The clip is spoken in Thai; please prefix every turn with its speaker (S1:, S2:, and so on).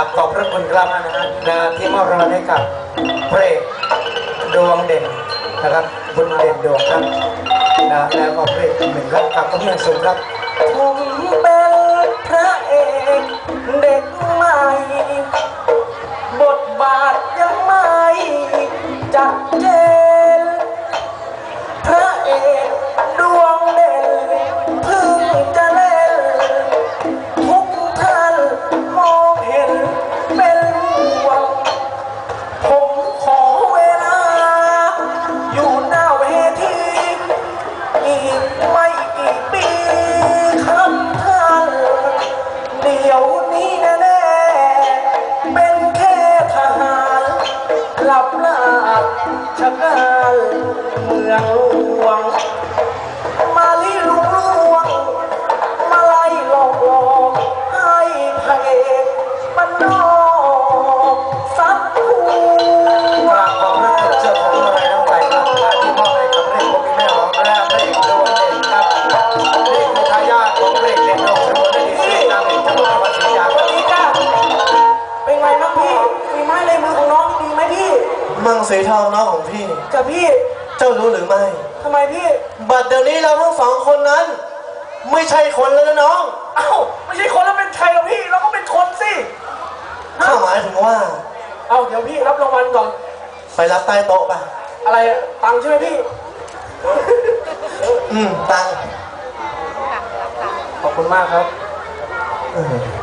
S1: ขอบพระคุณครับนะที่มอบรางวัลให้กับพระเอกดวงเด่นนะครับคุณเด่นดวงครับนะแล้วก็พระเอกหนึ่งครับกับคุณเมืองสูงครับผมเป็นพระเอกเด็กใหม่บทบาทยังไม่จัดเจนพระเอกดวงเด่นเพิ่งจะเล่นทุกท่านมองเห็นเป็นห่วงผมขอเวลาอยู่หน้าเวทีอีกไม่กี่ปีครับท่านเดี๋ยวนี้แน่ๆเป็นแค่ทหารหลับลาบชะกันเมืองหลวงมาลีลุงลวงมาไล่หลอกหลอกให้พระเอกมันนอกซับหูกราบขอบพระคุณเจ้าของอะไรน้องไก่ครับที่มอบให้กับพระเอกพวกพี่แม่ของและพระเอกดวงเด่นครับนี่คือทายาทของพระเอกเด่นดวงสมุทรได้ดีเสียงดังเอกจังหวัดศรีสะเกษวันนี้จ้าเป็นไงบ้างพี่ฝีไม้ลายมือของน้องดีไหมพี่
S2: มังสีทองน้องของพี่
S1: กับพี่
S2: เจ้ารู้หรือไม่
S1: ทำไมพี่
S2: บัดเดี๋ยวนี้เราทั้งสองคนนั้นไม่ใช่คนแล้วนะน้อง
S1: เอ้าไม่ใช่คนแล้วเป็นใครหรอพี่เราก็เป็นคนสิ
S2: ข้าหมายถึงว่า
S1: เอ้าเดี๋ยวพี่รับรางวัลก่อน
S2: ไปรับใต้โต๊ะไป
S1: อะไรตังค์ใช่ไหมพี่
S2: ตังค์
S1: ขอบคุณมากครับ